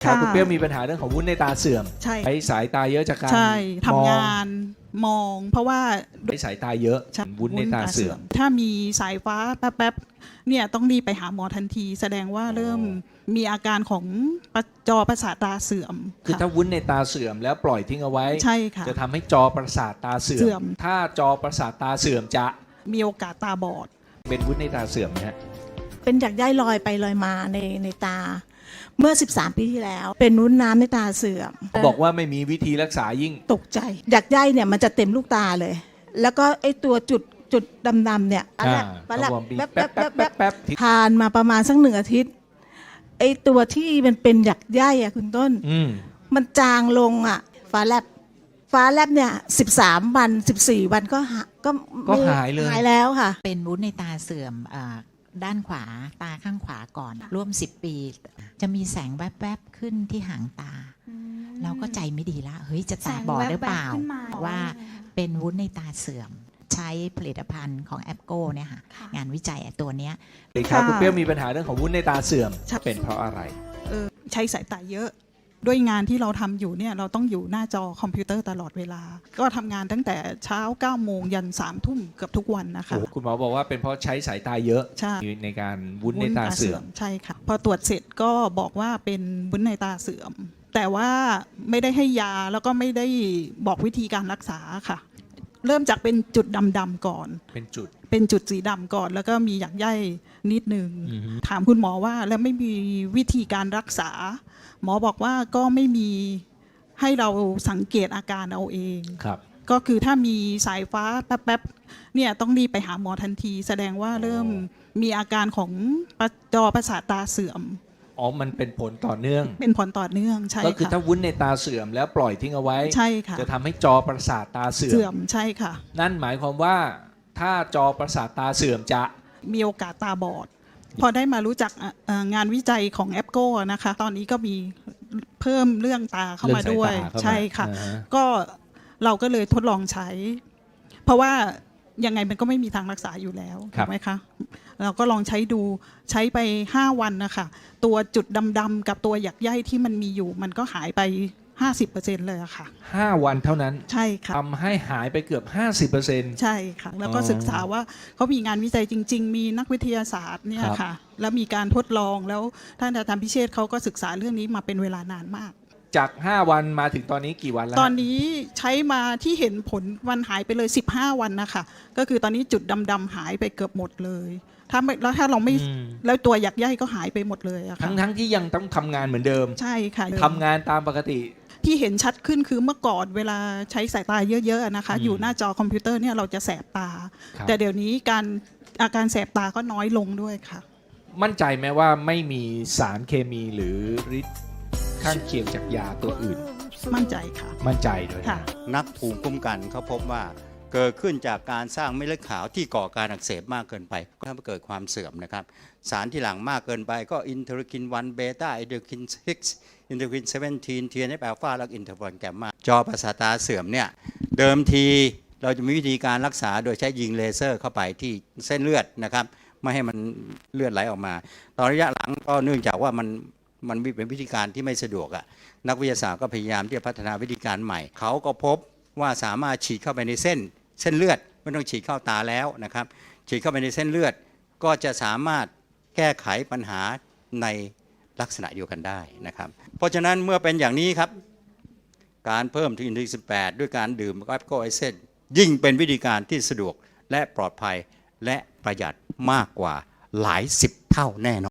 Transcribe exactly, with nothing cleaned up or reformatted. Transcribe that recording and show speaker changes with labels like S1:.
S1: ครับคุณเปรี้ยวมีปัญหาเรื่องของวุ้นในตาเสื่อม
S2: ใช่
S1: ใช้สายตาเยอะจากการ
S2: ใช่ทำ
S1: มอง
S2: งานมอง เพราะว่า
S1: ใช้สายตาเยอะ
S2: ใช่
S1: วุ้นในตาเสื่อม
S2: ถ้ามีสายฟ้าแป๊บๆเนี่ยต้องรีบไปหาหมอทันที แสดงว่าเริ่มมีอาการของจอประสาทตาเสื่อม
S1: คือถ้าวุ้นในตาเสื่อมแล้วปล่อยทิ้งเอาไว้
S2: ใช่ค่ะ
S1: จะทำให้จอประสาทตาเสื่
S2: เสื่
S1: อ
S2: อ
S1: ม
S2: ม
S1: ถ้าจอประสาทตาเสื่อมจะ
S2: มีโอกาสตาบอด
S1: เป็นวุ้นในตาเสื่อมนะฮะ
S3: เป็นหยักใยลอยไปลอยมาในในตา เมื่อสิบสามปีที่แล้ว เป็นวุ้นน้ำในตาเสื่อม
S1: บอกว่าไม่มีวิธีรักษายิ่ง
S3: ตกใจหยักใยเนี่ยมันจะเต็มลูกตาเลย แล้วก็ไอตัวจุดจุดดำๆเนี่ย
S1: อ่า
S3: ปะแลบ
S1: ก็วอร์มบี
S3: แป๊บ
S1: แป๊บ
S3: แป๊บ
S1: แป๊
S3: แป๊
S1: บบ แป๊บ
S3: ทานมาประมาณสักหนึ่งอาทิตย์ไอตัวที่มันเป็นหยักใยอะคุณต้น
S1: อืม
S3: มันจางลงอะฟ้าแลบฟ้าแลบเนี่ยสิบสามวันสิบสี่วันก็หาก็
S1: ก็หายเลย
S3: หายแล้วค่ะ
S4: เป็นวุ้นในตาเสื่อมอ่าด้านขวาตาข้างขวาก่อนร่วมสิบปี จะมีแสงแวบๆขึ้นที่หางตา เราก็ใจไม่ดีละเฮ้ยจะตาบอดหรือเปล่า
S5: แสงแว๊บๆขึ้นมา
S4: ว่าเป็นวุ้นในตาเสื่อม ใช้ผลิตภัณฑ์ของแอปโก้เนี่ยค่ะงานวิจัยตัวเนี้ย
S1: เลยครับ
S2: ค่ะ
S1: คุณเปรี้ยวมีปัญหาเรื่องของวุ้นในตาเสื่อม
S2: ใช่
S1: เป็นเพราะอะไร
S2: เออใช้สายตาเยอะ ด้วยงานที่เราทำอยู่เนี่ยเราต้องอยู่หน้าจอคอมพิวเตอร์ตลอดเวลา ก็ทำงานตั้งแต่เช้าเก้าโมงยันสามทุ่มเกือบทุกวันนะคะ
S1: คุณหมอบอกว่าเป็นเพราะใช้สายตาเยอะ
S2: ใช่
S1: ในการวุ้นในตาเสื่อม
S2: ใช่ค่ะพอตรวจเสร็จก็บอกว่าเป็นวุ้นในตาเสื่อม แต่ว่าไม่ได้ให้ยาแล้วก็ไม่ได้บอกวิธีการรักษาค่ะ เริ่มจากเป็นจุดดำๆก่อน
S1: เป็นจุด
S2: เป็นจุดสีดำก่อน แล้วก็มีหยักใยนิดนึง
S1: อือฮึ
S2: ถามคุณหมอว่าแล้วไม่มีวิธีการรักษา หมอบอกว่าก็ไม่มีให้เราสังเกตอาการเอาเอง
S1: ครับ
S2: ก็คือถ้ามีสายฟ้าแป๊บๆเนี่ยต้องรีบไปหาหมอทันที แสดงว่าเริ่มมีอาการของจอประสาทตาเสื่อม
S1: อ๋อ มันเป็นผลต่อเนื่อง
S2: เป็นผลต่อเนื่องใช่
S1: ก็คือ
S2: ค่ะ
S1: ถ้าวุ้นในตาเสื่อมแล้วปล่อยทิ้งเอาไว้
S2: ใช่ค่ะ
S1: จะทำให้จอประสาทตาเสื่อ
S2: เสื่อ
S1: ม
S2: มใช่ค่ะ
S1: นั่นหมายความว่าถ้าจอประสาทตาเสื่อมจะ
S2: มีโอกาสตาบอด พอได้มารู้จักเอ่องานวิจัยของแอปโก้นะคะ ตอนนี้ก็มีเพิ่มเรื่องตาเข้ามาด้วย
S1: เรื่องสายตาเข้ามา
S2: ใช่ค่ะ
S1: อ่าฮะ
S2: ก็เราก็เลยทดลองใช้ เพราะว่ายังไงมันก็ไม่มีทางรักษาอยู่แล้วถูกไหมคะเราก็ลองใช้ดูใช้ไปห้าวันนะคะตัวจุดดำๆกับตัวหยักใยที่มันมีอยู่ มันก็หายไปห้าสิบเปอร์เซ็นต์เลยอะค่ะ
S1: ห้าวันเท่านั้น
S2: ใช่ค่ะ
S1: ทำให้หายไปเกือบ ห้าสิบเปอร์เซ็นต์
S2: ใช่ค่ะ แล้วก็
S1: อ๋อ
S2: ศึกษาว่าเขามีงานวิจัยจริง ๆ มีนักวิทยาศาสตร์เนี่ย
S1: ครับ
S2: ค่ะ แล้วมีการทดลองแล้วท่านอาจารย์พิเชษฐ์เขาก็ศึกษาเรื่องนี้มาเป็นเวลานานมาก
S1: จาก ห้า วันมาถึงตอนนี้กี่วันแล้ว
S2: ตอนนี้ใช้มาที่เห็นผลวันหายไปเลยสิบห้าวันนะคะก็คือตอนนี้จุดดำๆหายไปเกือบหมดเลยถ้าไม่แล้วถ้าเราไม่
S1: อืม
S2: แล้วตัวหยักใยก็หายไปหมดเลยอะค่ะ
S1: ทั้งทั้งที่ยังต้องทำงานเหมือนเดิม
S2: ใช่ค่ะ
S1: ทำงานตามปกติ
S2: ที่เห็นชัดขึ้นคือเมื่อก่อนเวลาใช้สายตาเยอะๆนะคะ
S1: อืม
S2: อยู่หน้าจอคอมพิวเตอร์เนี่ยเราจะแสบตา
S1: ครับ
S2: แต่เดี๋ยวนี้การอาการแสบตาก็น้อยลงด้วยค่ะ
S1: มั่นใจไหมว่าไม่มีสารเคมีหรือฤทธิ์ข้างเคียงจากยาตัวอื่น
S2: มั่นใจค่ะ
S1: มั่นใจด้วยนะ
S2: ค่ะ
S6: นักภูมิคุ้มกันเขาพบว่าเกิดขึ้นจากการสร้างเม็ดเลือดขาวที่ก่อการอักเสบมากเกินไป ก็ทำให้เกิดความเสื่อมนะครับสารที่หลังมากเกินไปก็อินเทอร์คินวันเบต้าอินเทอร์คินซิกซ์อินเทอร์คินเซเวนทีนทีเอ็นเอฟอัลฟาและอินเทอร์ฟอนแกมมาจอประสาทตาเสื่อมเนี่ยเดิมทีเราจะมีวิธีการรักษาโดยใช้ยิงเลเซอร์เข้าไปที่เส้นเลือดนะครับไม่ให้มันเลือดไหลออกมา ตอนระยะหลังก็เนื่องจากว่ามันมันเป็นวิธีการที่ไม่สะดวกอะนักวิทยาศาสตร์ก็พยายามที่จะพัฒนาวิธีการใหม่ เขาก็พบว่าสามารถฉีดเข้าไปในเส้นเส้นเลือดไม่ต้องฉีดเข้าตาแล้วนะครับฉีดเข้าไปในเส้นเลือดก็จะสามารถแก้ไขปัญหาในลักษณะเดียวกันได้นะครับเพราะฉะนั้นเมื่อเป็นอย่างนี้ครับการเพิ่มทีอินทีสิบแปดด้วยการดื่มแอปโกไอเซนยิ่งเป็นวิธีการที่สะดวกและปลอดภัยและประหยัดมากกว่าหลายสิบเท่าแน่นอน